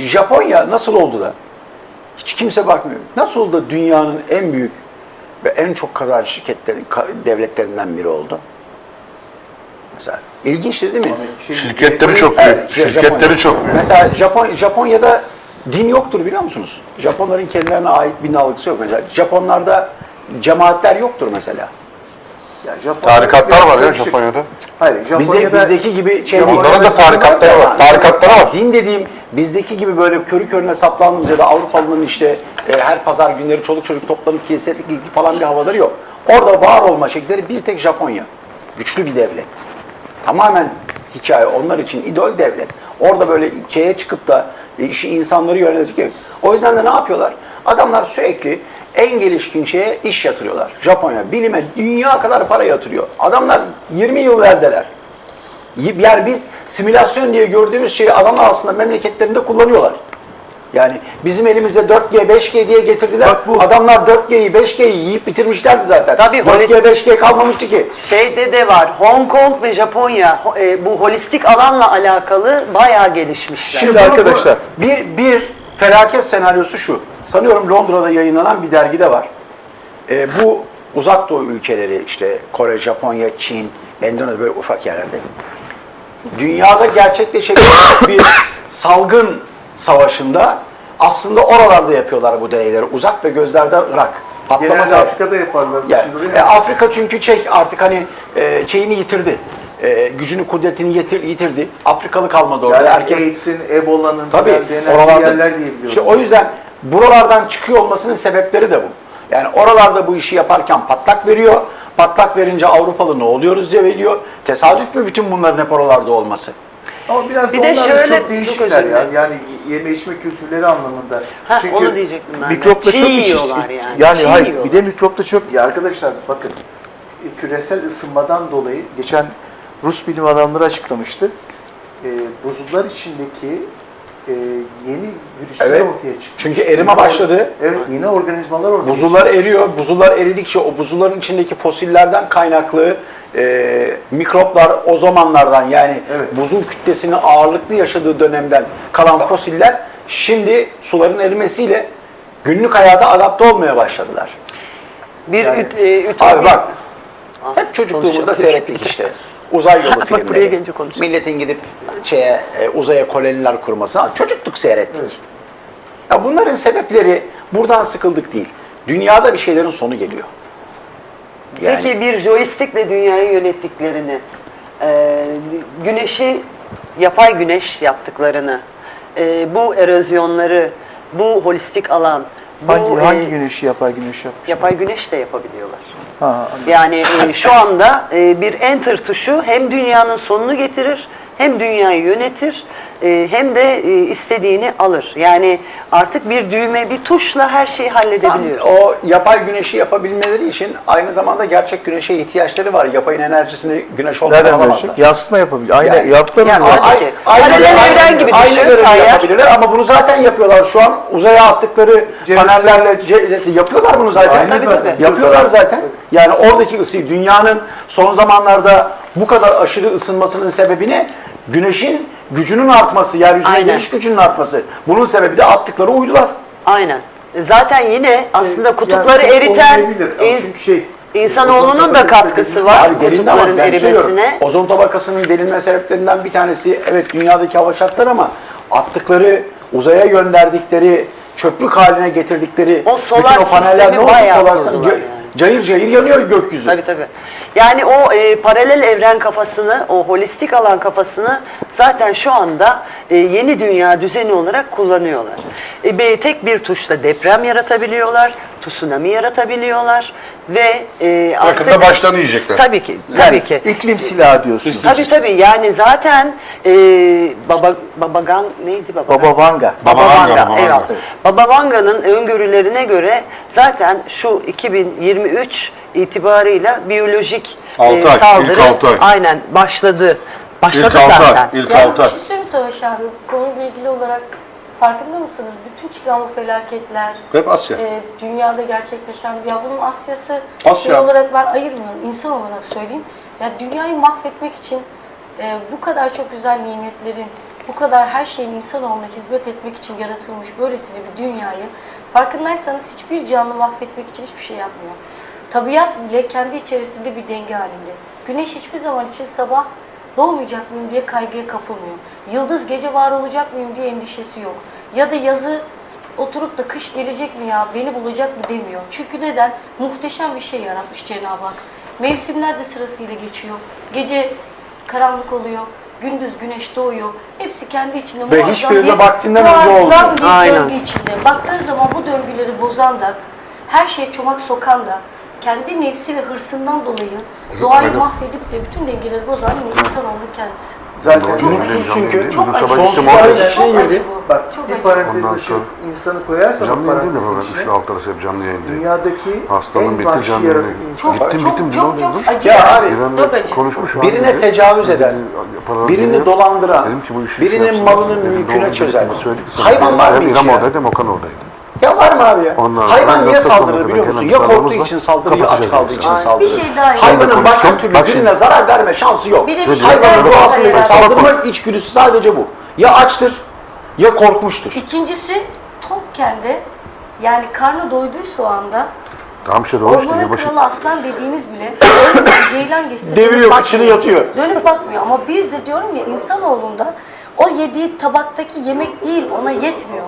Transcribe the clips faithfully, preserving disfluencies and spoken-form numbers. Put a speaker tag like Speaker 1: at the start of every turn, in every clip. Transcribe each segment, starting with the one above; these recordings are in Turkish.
Speaker 1: Japonya nasıl oldu da? Hiç kimse bakmıyor. Nasıl oldu da dünyanın en büyük ve en çok kazanç şirketlerin, devletlerinden biri oldu? Mesela ilginçti değil mi?
Speaker 2: Şirketleri çok büyük.
Speaker 1: Evet,
Speaker 2: Şirketleri
Speaker 1: Japonya.
Speaker 2: çok büyük.
Speaker 1: Mesela Japon, Japonya'da din yoktur biliyor musunuz? Japonların kendilerine ait bir algısı yok. Mesela Japonlarda cemaatler yoktur mesela.
Speaker 3: Yani Japonya'da
Speaker 2: Tarikatlar var ya
Speaker 3: karışık.
Speaker 2: Japonya'da.
Speaker 3: Hayır, Japonya'da
Speaker 1: Bize, bizdeki gibi şey değil.
Speaker 2: Onların da tarikatları var. Tarikatları var.
Speaker 1: Din dediğim bizdeki gibi böyle körü körüne saplandığımız ya da Avrupalıların işte e, her pazar günleri çoluk çocuk toplanıp kiliselik ilgi falan bir havaları yok. Orada var olma şekilleri bir tek Japonya. Güçlü bir devlet. Tamamen hikaye onlar için idol devlet. Orada böyle şeye çıkıp da e, işi insanları yönetecek. O yüzden de ne yapıyorlar? Adamlar sürekli en gelişkin şeye iş yatırıyorlar. Japonya, bilime, dünya kadar para yatırıyor. Adamlar yirmi yıl verdiler. Yani biz simülasyon diye gördüğümüz şeyi adamlar aslında memleketlerinde kullanıyorlar. Yani bizim elimize dört G, beş G diye getirdiler.
Speaker 3: Bak bu-
Speaker 1: Adamlar dört G'yi, beş G'yi yiyip bitirmişlerdi zaten.
Speaker 4: Tabii,
Speaker 1: dört G, beş G kalmamıştı ki.
Speaker 4: Şeyde de var, Hong Kong ve Japonya e, bu holistik alanla alakalı bayağı gelişmişler.
Speaker 3: Şimdi arkadaşlar-
Speaker 1: bir, bir felaket senaryosu şu. Sanıyorum Londra'da yayınlanan bir dergide var. Ee, bu uzak doğu ülkeleri işte Kore, Japonya, Çin, Endonezya böyle ufak yerlerde. Dünyada gerçekleşebilecek bir salgın savaşında aslında oralarda yapıyorlar bu deneyleri. Uzak ve gözlerden Irak. Patlama
Speaker 3: Genelde
Speaker 1: zaten.
Speaker 3: Afrika'da yaparlar.
Speaker 1: Yani,
Speaker 3: Şimdi oraya-
Speaker 1: e, Afrika çünkü şey artık hani e, şeyini yitirdi. E, gücünü, kudretini yitir, yitirdi. Afrikalı kalmadı orada.
Speaker 3: Yani
Speaker 1: Herkes
Speaker 3: AIDS'in, Ebola'nın
Speaker 1: tabii
Speaker 3: denen
Speaker 1: oralarda
Speaker 3: yerler diye biliyorum.
Speaker 1: İşte o yüzden buralardan çıkıyor olmasının sebepleri de bu. Yani oralarda bu işi yaparken patlak veriyor. Patlak verince Avrupalı ne oluyoruz diye veriyor. Tesadüf mü bütün bunların hep oralarda olması?
Speaker 3: Ama biraz
Speaker 4: Bir
Speaker 3: da
Speaker 4: de
Speaker 3: onlar da
Speaker 4: şöyle-
Speaker 3: çok
Speaker 4: çok
Speaker 3: değişikler
Speaker 4: özür
Speaker 3: ya.
Speaker 4: dilerim.
Speaker 3: Yani yeme içme kültürleri anlamında.
Speaker 4: Ha, onu diyecektim ben de.
Speaker 3: Mikropla
Speaker 4: Çiğ
Speaker 3: çok iç,
Speaker 4: yiyorlar yani.
Speaker 3: Yani
Speaker 4: Çiğ
Speaker 3: hayır,
Speaker 4: yiyorlar.
Speaker 3: bir de mikropla çok. Ya arkadaşlar bakın, küresel ısınmadan dolayı geçen Rus bilim adamları açıklamıştı. E, buzullar içindeki e, yeni virüsler
Speaker 1: Evet.
Speaker 3: ortaya çıktı.
Speaker 1: Çünkü erime
Speaker 3: Yeni or-
Speaker 1: başladı.
Speaker 3: Evet, yeni organizmalar ortaya
Speaker 1: Buzullar eriyor. Buzullar eridikçe o buzulların içindeki fosillerden kaynaklı e, mikroplar o zamanlardan yani
Speaker 3: Evet.
Speaker 1: buzul kütlesinin ağırlıklı yaşadığı dönemden kalan fosiller şimdi suların erimesiyle günlük hayata adapte olmaya başladılar.
Speaker 4: Bir
Speaker 3: Yani-
Speaker 4: üt, e, ütopik-
Speaker 1: Abi bak
Speaker 4: Ah,
Speaker 1: hep çocukluğumuzda
Speaker 4: konuşalım.
Speaker 1: seyrettik işte. Uzay yolu
Speaker 4: Bak buraya
Speaker 1: filmleri.
Speaker 4: gelince konuşalım.
Speaker 1: Milletin gidip şeye, e, uzaya koloniler kurması. Ha, çocukluk seyrettik.
Speaker 3: Evet.
Speaker 1: Ya bunların sebepleri buradan sıkıldık değil. Dünyada bir şeylerin sonu geliyor. Yani,
Speaker 4: Peki bir joystickle dünyayı yönettiklerini, e, güneşi yapay güneş yaptıklarını, e, bu erozyonları, bu holistik alan, bu
Speaker 3: Hangi,
Speaker 4: e,
Speaker 3: hangi güneşi yapay güneş yapmış?
Speaker 4: yapay güneş de yapabiliyorlar.
Speaker 3: Ha, anladım.
Speaker 4: Yani e, şu anda e, bir enter tuşu hem dünyanın sonunu getirir, hem dünyayı yönetir, e, hem de e, istediğini alır. Yani artık bir düğme, bir tuşla her şeyi halledebiliyor.
Speaker 1: o yapay güneşi yapabilmeleri için aynı zamanda gerçek güneşe ihtiyaçları var. Yapayın enerjisini güneş olmadan
Speaker 3: Nereden
Speaker 1: alamazlar.
Speaker 3: görecek? Yansıtma yapabilir. Aynen,
Speaker 1: Yani-
Speaker 3: yaptılar mı
Speaker 4: Yani
Speaker 3: zaten?
Speaker 4: Tabii ki. Paralel evren gibi
Speaker 1: aynı
Speaker 4: düşün,
Speaker 1: görevi
Speaker 4: Tayyar.
Speaker 1: yapabilirler ama bunu zaten yapıyorlar. Şu an uzaya attıkları
Speaker 3: Ceviz-
Speaker 1: panellerle ce- yapıyorlar bunu zaten.
Speaker 3: Aynı
Speaker 4: Tabii,
Speaker 3: zaten.
Speaker 4: tabii.
Speaker 1: Yapıyorlar zaten. Yani oradaki ısıyı, dünyanın son zamanlarda bu kadar aşırı ısınmasının sebebi ne? Güneşin gücünün artması, yeryüzüne
Speaker 4: Aynen.
Speaker 1: geliş gücünün artması. Bunun sebebi de attıkları uydular.
Speaker 4: Aynen. Zaten yine aslında kutupları
Speaker 3: Yani çok
Speaker 4: eriten
Speaker 3: olmayabilir. Ama
Speaker 4: ins-
Speaker 3: çünkü şey,
Speaker 4: insanoğlunun
Speaker 3: ozon
Speaker 4: da
Speaker 3: tabakası
Speaker 4: katkısı
Speaker 3: dediğim-
Speaker 4: var
Speaker 1: Abi delindi ama
Speaker 4: kutupların
Speaker 1: ben söylüyorum.
Speaker 4: erimesine.
Speaker 1: Ozon tabakasının delinme sebeplerinden bir tanesi evet dünyadaki hava şartları ama attıkları, uzaya gönderdikleri, çöplük haline getirdikleri
Speaker 4: O solar
Speaker 1: bütün o paneller
Speaker 4: sistemi
Speaker 1: ne oldu?
Speaker 4: bayağı
Speaker 1: Solar
Speaker 4: kurdular
Speaker 1: sistemi gö-
Speaker 4: yani.
Speaker 1: cayır cayır yanıyor gökyüzü.
Speaker 4: Tabii tabii. Yani o e, paralel evren kafasını, o holistik alan kafasını zaten şu anda e, yeni dünya düzeni olarak kullanıyorlar. E, be- tek bir tuşla deprem yaratabiliyorlar, tsunami yaratabiliyorlar ve e, artık...
Speaker 2: Yakında başlarını yiyecekler.
Speaker 4: Tabii ki, tabii
Speaker 3: Yani
Speaker 4: ki.
Speaker 3: iklim silahı diyorsunuz.
Speaker 4: Tabii tabii yani zaten e, Baba Babagan neydi Babagan?
Speaker 3: Baba Vanga.
Speaker 4: Baba
Speaker 2: Baba
Speaker 4: Vanga,
Speaker 2: Vanga, Baba
Speaker 4: eyvallah.
Speaker 2: Vanga.
Speaker 4: Baba Vanga'nın öngörülerine göre zaten şu iki bin yirmi üç itibarıyla biyolojik
Speaker 2: Altı ay,
Speaker 4: saldırı
Speaker 2: ilk altı ay.
Speaker 4: aynen başladı. Başladı
Speaker 2: İlk altı
Speaker 4: zaten.
Speaker 2: ay. İlk
Speaker 5: Yani
Speaker 2: altı
Speaker 5: bir
Speaker 2: ay.
Speaker 5: şey söyleyeyim Savaş abi, bu konuyla ilgili olarak farkında mısınız? Bütün çıkan bu felaketler,
Speaker 2: Hep Asya.
Speaker 5: e, dünyada gerçekleşen, ya bunun Asya'sı
Speaker 2: Asya.
Speaker 5: şey olarak ben ayırmıyorum, insan olarak söyleyeyim. Ya dünyayı mahvetmek için e, bu kadar çok güzel nimetlerin bu kadar her şeyin insanoğluna hizmet etmek için yaratılmış böylesine bir dünyayı farkındaysanız hiçbir canlı mahvetmek için hiçbir şey yapmıyor. Tabiat bile kendi içerisinde bir denge halinde. Güneş hiçbir zaman için sabah doğmayacak mıyım diye kaygıya kapılmıyor. Yıldız gece var olacak mıyım diye endişesi yok. Ya da yazı oturup da kış gelecek mi ya, beni bulacak mı demiyor. Çünkü neden? Muhteşem bir şey yaratmış Cenab-ı Hak. Mevsimler de sırasıyla geçiyor. Gece karanlık oluyor, gündüz güneş doğuyor. Hepsi kendi içinde
Speaker 1: Ve
Speaker 5: muazzam
Speaker 1: hiçbiri de
Speaker 5: bir-
Speaker 1: vaktinden önce
Speaker 5: muazzam
Speaker 1: olmuyor.
Speaker 5: bir
Speaker 4: Aynen.
Speaker 5: döngü içinde. Baktığın zaman bu döngüleri bozan da, her şeye çomak sokan da, kendi nefsi ve hırsından dolayı doğayı mahvedip de bütün dengeleri bozan insanoğlu kendisi.
Speaker 3: Zaten
Speaker 5: Çok
Speaker 1: Mutsuz
Speaker 5: acı.
Speaker 1: çünkü.
Speaker 5: Çok acı.
Speaker 1: Sonsuz
Speaker 2: Çok
Speaker 1: bir
Speaker 2: acı.
Speaker 1: içine
Speaker 5: Çok acı
Speaker 1: girdi.
Speaker 5: bu.
Speaker 3: bak
Speaker 5: Çok
Speaker 3: bir
Speaker 5: acı.
Speaker 3: parantez
Speaker 2: Ondan
Speaker 3: açıp
Speaker 2: sonra-
Speaker 3: insanı koyarsan o
Speaker 2: Canlı yayın değil mi
Speaker 3: parantezin
Speaker 2: program?
Speaker 3: içine
Speaker 2: Şu alt arası hep canlı yayın değil.
Speaker 3: dünyadaki
Speaker 2: Hastalığın
Speaker 3: en
Speaker 2: bitti,
Speaker 3: vahşi
Speaker 2: canlı
Speaker 3: yaratık
Speaker 2: yayın.
Speaker 3: insan.
Speaker 5: Çok
Speaker 2: Bittim,
Speaker 5: çok
Speaker 2: bittim,
Speaker 5: çok
Speaker 2: ne
Speaker 5: çok
Speaker 2: oldu?
Speaker 5: acı.
Speaker 1: Ya
Speaker 5: yani.
Speaker 1: abi,
Speaker 2: İrem'le
Speaker 5: Çok acı.
Speaker 2: konuşmuş abi
Speaker 1: Birine
Speaker 2: dedi.
Speaker 1: tecavüz
Speaker 2: Dedi,
Speaker 1: eden,
Speaker 2: paralar
Speaker 1: birini
Speaker 2: veriyor.
Speaker 1: dolandıran,
Speaker 2: Dedim ki bu işi
Speaker 1: birinin
Speaker 2: şey
Speaker 1: malının
Speaker 2: yapsın. Dedim,
Speaker 1: mülküne
Speaker 2: doğru
Speaker 1: çözen.
Speaker 2: dediğimi söyledik sana.
Speaker 1: Hayvan var mı
Speaker 2: Hem
Speaker 1: hiç
Speaker 2: İrem
Speaker 1: ya?
Speaker 2: oradaydı hem Okan oradaydı.
Speaker 1: Ya var mı abi ya?
Speaker 2: Ondan sonra
Speaker 1: Hayvan niye
Speaker 2: yoksa
Speaker 1: saldırır
Speaker 2: sonra
Speaker 1: biliyor
Speaker 2: hemen
Speaker 1: musun? Ya korktuğu
Speaker 2: planlarımız
Speaker 1: için
Speaker 2: var.
Speaker 1: saldırır ya aç
Speaker 2: Kapatacağız
Speaker 1: kaldığı
Speaker 2: yani.
Speaker 1: için
Speaker 5: Aynen.
Speaker 1: saldırır.
Speaker 5: Bir şey daha
Speaker 1: Hayvanın
Speaker 5: yapalım.
Speaker 1: başka
Speaker 2: Bak
Speaker 1: türlü
Speaker 2: şimdi.
Speaker 1: birine zarar verme şansı yok.
Speaker 5: Bir de bir
Speaker 2: Ve
Speaker 5: şey
Speaker 1: Hayvanın
Speaker 5: daha
Speaker 1: doğasındaki
Speaker 5: yapalım.
Speaker 1: saldırma içgüdüsü sadece bu. Ya açtır ya korkmuştur.
Speaker 5: İkincisi tokken de yani karnı doyduysa o anda
Speaker 2: Tamam işte doğru işte.
Speaker 5: ormanın
Speaker 2: Yılbaşı.
Speaker 5: kralı aslan dediğiniz bile önünden ceylan geçse
Speaker 1: Deviriyor,
Speaker 5: dönüp
Speaker 1: kıçını
Speaker 5: bakmıyor.
Speaker 1: yatıyor.
Speaker 5: Dönüp bakmıyor ama biz de diyorum ya insanoğlunda o yediği tabaktaki yemek değil ona yetmiyor.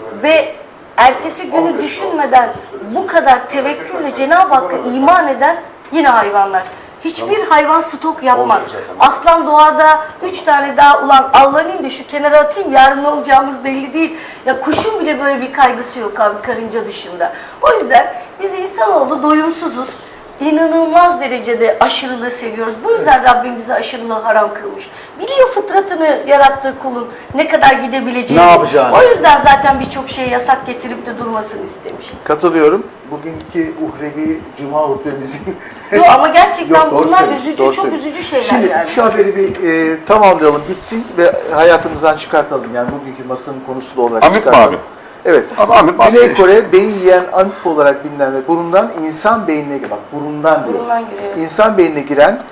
Speaker 5: Ve ertesi günü düşünmeden bu kadar tevekkülle Cenab-ı Hakk'a iman eden yine hayvanlar. Hiçbir hayvan stok yapmaz. Aslan doğada üç tane daha ulan avlanayım da şu kenara atayım yarın ne olacağımız belli değil. Ya kuşun bile böyle bir kaygısı yok abi karınca dışında. O yüzden biz insanoğlu doyumsuzuz. İnanılmaz derecede aşırılığı seviyoruz. Bu yüzden Rabbim bize aşırılığı haram kılmış. Biliyor fıtratını yarattığı kulun ne kadar gidebileceğini.
Speaker 1: Ne yapacağını.
Speaker 5: O yüzden zaten birçok şeye yasak getirip de durmasını istemiş.
Speaker 3: Katılıyorum. Bugünkü uhrevi cuma hutbemizin
Speaker 5: Yok ama gerçekten
Speaker 3: Yok, doğru
Speaker 5: bunlar
Speaker 3: söylüyorsun,
Speaker 5: üzücü,
Speaker 3: doğru
Speaker 5: çok
Speaker 3: söylüyorsun.
Speaker 5: üzücü şeyler
Speaker 3: Şimdi
Speaker 5: yani.
Speaker 3: şu haberi bir e, tamamlayalım, bitsin ve hayatımızdan çıkartalım. Yani bugünkü masanın konusu da olarak
Speaker 2: Amip mi
Speaker 3: çıkartalım.
Speaker 2: abi?
Speaker 3: Evet.
Speaker 2: Abi amip
Speaker 3: Güney
Speaker 2: bahsediyor işte.
Speaker 3: Kore beyin yiyen amip olarak bilinen ve burundan insan beynine bak burundan diyor.
Speaker 5: Burundan giriyor.
Speaker 3: İnsan beynine giren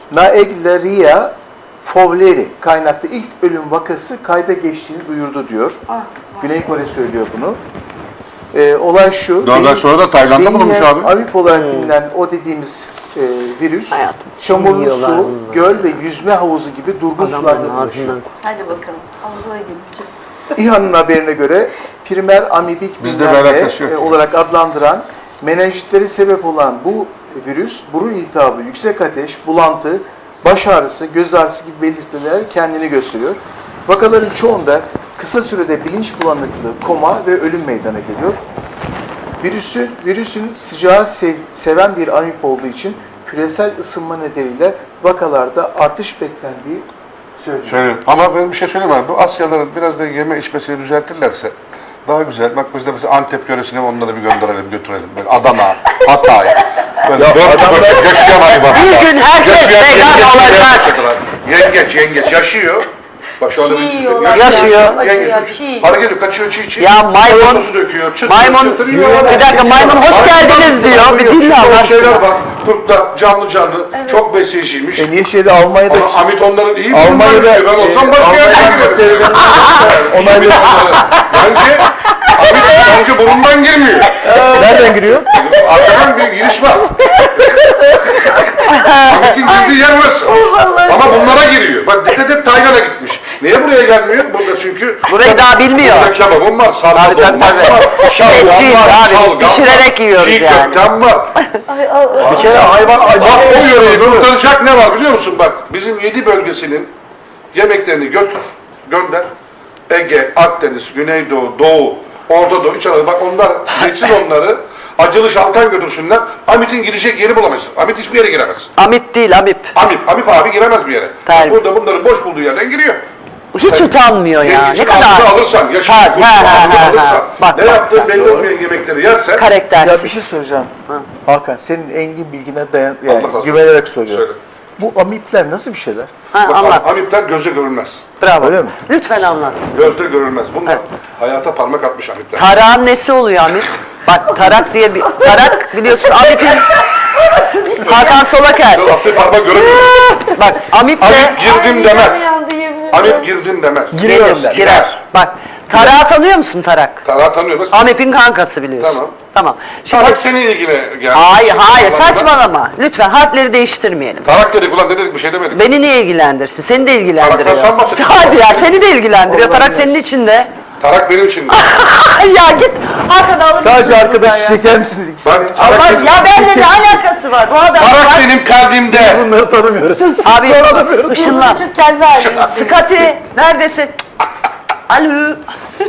Speaker 3: Naegleria fowleri kaynaklı ilk ölüm vakası kayda geçtiğini duyurdu diyor.
Speaker 5: Ah,
Speaker 3: Güney Kore söylüyor bunu. Ee, olay şu.
Speaker 2: Daha
Speaker 3: beyin-
Speaker 2: sonra da Tayland'da
Speaker 3: beyin
Speaker 2: bulunmuş
Speaker 3: yiyen
Speaker 2: abi.
Speaker 3: amip olarak bilinen o dediğimiz e, virüs
Speaker 4: Hayatım,
Speaker 3: çamurlu
Speaker 4: yiyorlar
Speaker 3: su,
Speaker 4: bunlar.
Speaker 3: göl ve yüzme havuzu gibi durgun sularda
Speaker 4: Adamların
Speaker 3: buluşuyor.
Speaker 4: ağzından.
Speaker 5: Hadi bakalım. Havuza gideceğiz.
Speaker 3: İHA'nın haberine göre primer amibik
Speaker 2: Bizde
Speaker 3: bilmem
Speaker 2: bir
Speaker 3: ne,
Speaker 2: alakası yok.
Speaker 3: e, olarak adlandıran menenjitleri sebep olan bu virüs burun iltihabı, yüksek ateş, bulantı, baş ağrısı, göz ağrısı gibi belirtiler kendini gösteriyor. Vakaların çoğunda kısa sürede bilinç bulanıklığı, koma ve ölüm meydana geliyor. Virüsün, virüsün sıcağı sev- seven bir amip olduğu için küresel ısınma nedeniyle vakalarda artış beklendiği söyleniyor.
Speaker 2: Söylüyorum. Ama ben bir şey söyleyeyim abi. Bu Asyalıların biraz da yeme içmesini düzeltirlerse daha güzel. Bak biz de mesela Antep yöresine onları bir gönderelim, götürelim. Böyle Adana, Hatay. Böyle dört adamlar... yaşayan hayvan.
Speaker 4: Bir gün herkes
Speaker 2: Yaşayan
Speaker 4: vegan
Speaker 2: yengeç
Speaker 4: olacak.
Speaker 2: yaşadılar. Yengeç, yengeç yaşıyor. Bak şu anda
Speaker 5: Çiğ
Speaker 2: bir-
Speaker 5: yiyorlar.
Speaker 4: Yaşıyor.
Speaker 5: Acıyor,
Speaker 2: Yengeç,
Speaker 5: çiğ.
Speaker 2: para geliyor, kaçıyor çiğ çiğ.
Speaker 4: Ya maymun-
Speaker 2: Soya sosu döküyor. Çıtır
Speaker 4: Maymun,
Speaker 2: çıtır yiyor.
Speaker 4: bir dakika maymun hoş geldiniz diyor. Bir dinle
Speaker 2: Şimdi
Speaker 4: Allah
Speaker 2: o şeyler
Speaker 4: aşkına.
Speaker 2: bak. Kurtlar canlı canlı. Çok besleyiciymiş.
Speaker 3: E niye şeyde Almanya'da
Speaker 2: Ama Amit onların iyi
Speaker 3: Almanya'da
Speaker 2: Almanya'da ben olsam başka yerde
Speaker 3: Almanya'da
Speaker 2: giderim.
Speaker 3: onaylasın.
Speaker 2: Bence Amit bence burundan girmiyor.
Speaker 3: Nereden giriyor?
Speaker 2: Arkadan bir giriş var. Amit'in girdiği yer burası. Ama bunlara giriyor. Bak dikkat et Tayland'a gitmiş. Niye buraya gelmiyor? Burada çünkü
Speaker 4: Burayı daha bilmiyor.
Speaker 2: burada kebabım var, sarma
Speaker 4: Tabii, tabii,
Speaker 2: dolma
Speaker 4: tabii.
Speaker 2: var, şalgam
Speaker 4: Etçiyiz
Speaker 2: var,
Speaker 4: abi, biz
Speaker 2: şalgam
Speaker 4: pişirerek
Speaker 2: var,
Speaker 4: yiyoruz
Speaker 2: çiğ
Speaker 4: yani.
Speaker 2: köftem var.
Speaker 5: Ay, ay, ay.
Speaker 1: Bir kere hayvan
Speaker 2: Bak
Speaker 1: acayip
Speaker 2: o yöreyi
Speaker 1: yaşıyor.
Speaker 2: kurtaracak ne var biliyor musun? Bak bizim yedi bölgesinin yemeklerini götür, gönder. Ege, Akdeniz, Güneydoğu, Doğu, Orta Doğu, İç Anadolu. Bak onlar, geçsin onları. Acılı şalkan götürsünler. Amit'in girecek yeri bulamazsın. Amit hiçbir yere giremez.
Speaker 4: Amip değil Amip.
Speaker 2: Amip, Amip abi giremez bir yere.
Speaker 4: Tabii.
Speaker 2: Burada bunları boş bulduğu yerden giriyor.
Speaker 4: Hiç utanmıyor ya.
Speaker 2: Yengecin
Speaker 4: Ne kadar
Speaker 2: ağzını alırsan, yaşını
Speaker 4: Ha,
Speaker 2: kurtunu
Speaker 4: ha, ha,
Speaker 2: ağzını
Speaker 4: ha,
Speaker 2: alırsan,
Speaker 4: ha. Bak,
Speaker 2: ne
Speaker 4: bak,
Speaker 2: yaptığın
Speaker 4: bak,
Speaker 2: belli
Speaker 4: doğru.
Speaker 2: olmayan yemekleri yersen,
Speaker 4: karaktersiz.
Speaker 3: Ya bir şey söyleyeceğim. Hakan senin engin bilgine dayan,
Speaker 2: Allah
Speaker 3: yani
Speaker 2: razı olsun.
Speaker 3: güvenerek soruyorum.
Speaker 2: Söyle.
Speaker 3: Bu amipler nasıl bir şeyler?
Speaker 4: Ha,
Speaker 2: bak,
Speaker 4: anlat.
Speaker 2: Amipler gözle görülmez.
Speaker 4: Bravo.
Speaker 3: Öyle mi?
Speaker 4: Lütfen anlat.
Speaker 2: Gözle görülmez. Bunlar hayata parmak atmış Amipler.
Speaker 4: Tarak'ın nesi oluyor Amip? Bak Tarak diye bir... Tarak biliyorsun Amip'in... Hakan Solaker.
Speaker 2: Attığı parmak göremiyorum.
Speaker 4: Bak Amip de...
Speaker 2: Amip girdim demez.
Speaker 5: Yandı yemin
Speaker 2: Amip girdin demez.
Speaker 1: Giriyorum der.
Speaker 4: Girer. Bak, Tarak'ı tanıyor musun Tarak?
Speaker 2: Tarak tanıyoruz.
Speaker 4: Amip'in kankası biliyorsun.
Speaker 2: Tamam.
Speaker 4: Tamam. Şimdi
Speaker 2: Tarak senin ilgine geldi.
Speaker 4: hayır hayır
Speaker 2: Anlamda.
Speaker 4: saçmalama. Lütfen harfleri değiştirmeyelim.
Speaker 2: Tarak dedik ulan ne dedik bir şey demedik.
Speaker 4: Beni niye ilgilendirsin? Seni de ilgilendiriyor.
Speaker 2: Tarak'tan sen bahsediyorsun.
Speaker 4: Hadi ya seni de ilgilendiriyor. Tarak senin içinde.
Speaker 2: Tarak benim için.
Speaker 4: Ya git arkada alır
Speaker 3: Sadece
Speaker 4: mısın
Speaker 3: arkadaşı
Speaker 4: buradan ya?
Speaker 3: çeker misiniz ikisini?
Speaker 2: Bak Tarak,
Speaker 4: Ama
Speaker 2: benim-
Speaker 4: ya benimle ne alakası var? Bu adam
Speaker 2: Tarak
Speaker 4: var.
Speaker 2: benim kalbimde.
Speaker 1: Bunları tanımıyoruz.
Speaker 4: Abi ışınlan.
Speaker 5: Şu kendi halimiz.
Speaker 4: Skati neredesin? Alo.